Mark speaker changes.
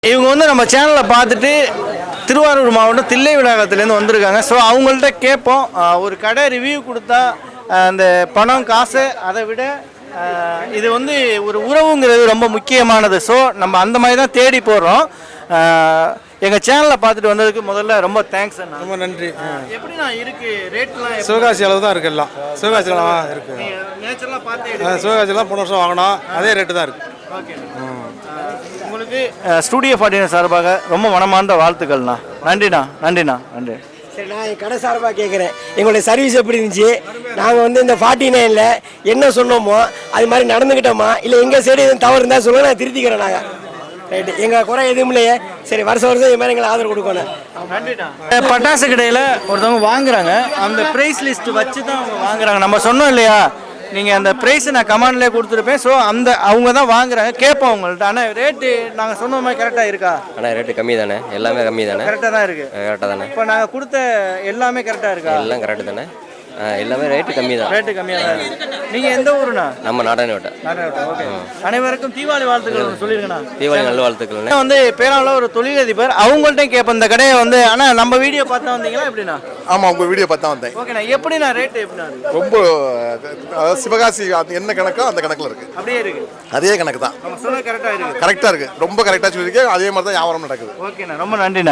Speaker 1: இவங்க வந்து நம்ம சேனலை பார்த்துட்டு திருவாரூர் மாவட்டம் தில்லை விநாயகத்துலேருந்து வந்திருக்காங்க. ஸோ அவங்கள்ட்ட கேட்போம், ஒரு கடை ரிவ்யூ கொடுத்தா அந்த பணம் காசு அதை விட இது வந்து ஒரு உறவுங்கிறது ரொம்ப முக்கியமானது. ஸோ நம்ம அந்த மாதிரி தான் தேடி போடுறோம். எங்கள் சேனலில் பார்த்துட்டு வந்ததுக்கு முதல்ல ரொம்ப தேங்க்ஸ் அண்ணா.
Speaker 2: ரொம்ப நன்றி.
Speaker 1: எப்படிண்ணா இருக்குது ரேட்லாம்?
Speaker 2: சிவகாசி அளவு தான் இருக்குது, எல்லாம் சிவகாசி அளவு இருக்குது.
Speaker 1: நேச்சர்லாம் பார்த்து
Speaker 2: சிவகாசிலாம் போன வருஷம் வாங்கினோம், அதே ரேட்டு தான் இருக்குது.
Speaker 1: ஓகே, உங்களுக்கு ஸ்டூடியோ 49 சார்பாக ரொம்ப மனமார்ந்த வாழ்த்துக்கள்ண்ணா. நன்றிண்ணா. நன்றிண்ணா. நன்றி.
Speaker 3: சரி, நான் என் கடை சார்பாக கேட்குறேன், எங்களுடைய சர்வீஸ் எப்படி இருந்துச்சு? நாங்கள் வந்து இந்த 49ல் என்ன சொன்னோமோ அது மாதிரி நடந்துக்கிட்டோமா, இல்லை எங்கள் சைடு எதுவும் தவறு இருந்தால் சொல்லுங்கள், நான் திருத்திக்கிறோம். நாங்கள் ரைட்டு, எங்கள் குறை எதுவும் இல்லையே. சரி, வருஷம் இது மாதிரி எங்களை ஆதரவு கொடுக்கணும்.
Speaker 1: நன்றிண்ணா. பட்டாசு கடையில் ஒருத்தவங்க வாங்குறாங்க, அந்த ப்ரைஸ் லிஸ்ட் வச்சு தான் அவங்க வாங்குறாங்க. நம்ம சொன்னோம் இல்லையா, நீங்கள் அந்த ப்ரைஸை நான் கமெண்ட்லேயே கொடுத்துருப்பேன். ஸோ அவங்க தான் வாங்குறாங்க. கேட்போம் அவங்கள்ட்ட, ஆனால் ரேட்டு நாங்கள் சொன்ன மாதிரி கரெக்டாக இருக்கா?
Speaker 4: ஆனால் ரேட்டு கம்மி தானே, எல்லாமே கம்மி தானே?
Speaker 1: கரெக்டாக தான் இருக்குது.
Speaker 4: கரெக்டாக தானே?
Speaker 1: இப்போ நாங்கள் கொடுத்த எல்லாமே கரெக்டாக இருக்கா?
Speaker 4: எல்லாம் கரெக்டு தானே? எல்லாமே ரேட்டு கம்மி தான்.
Speaker 1: ரேட்டு கம்மியாக தான் இருக்குது. நீங்கள் எந்த ஊருண்ணா?
Speaker 4: நம்ம நாடானோட்ட.
Speaker 1: ஓகே, அனைவருக்கும் தீபாவளி வாழ்த்துக்கள் சொல்லிருங்கண்ணா.
Speaker 4: தீபாவளி நல்ல வாழ்த்துக்கள்.
Speaker 1: வந்து பேராவில் ஒரு தொழிலதிபர், அவங்கள்ட்ட கேட்பேன் இந்த கடையை வந்து. ஆனால் நம்ம வீடியோ பார்த்தா வந்தீங்களா எப்படின்னா?
Speaker 5: ஆமாம், உங்கள் வீடியோ பார்த்தா வந்தேன்.
Speaker 1: ஓகேண்ணா. எப்படிண்ணா ரேட்டு எப்படின்னா?
Speaker 5: ரொம்ப அதாவது சிவகாசி என்ன கணக்கோ அந்த கணக்கில் இருக்குது.
Speaker 1: அப்படியே இருக்குது,
Speaker 5: அதே கணக்கு தான்.
Speaker 1: நம்ம சொன்ன கரெக்டாக இருக்குது.
Speaker 5: கரெக்டாக இருக்குது, ரொம்ப கரெக்டாக சொல்லியிருக்கேன். அதே மாதிரி தான் வியாபாரம் நடக்குது.
Speaker 1: ஓகேண்ணா, ரொம்ப நன்றிண்ணா.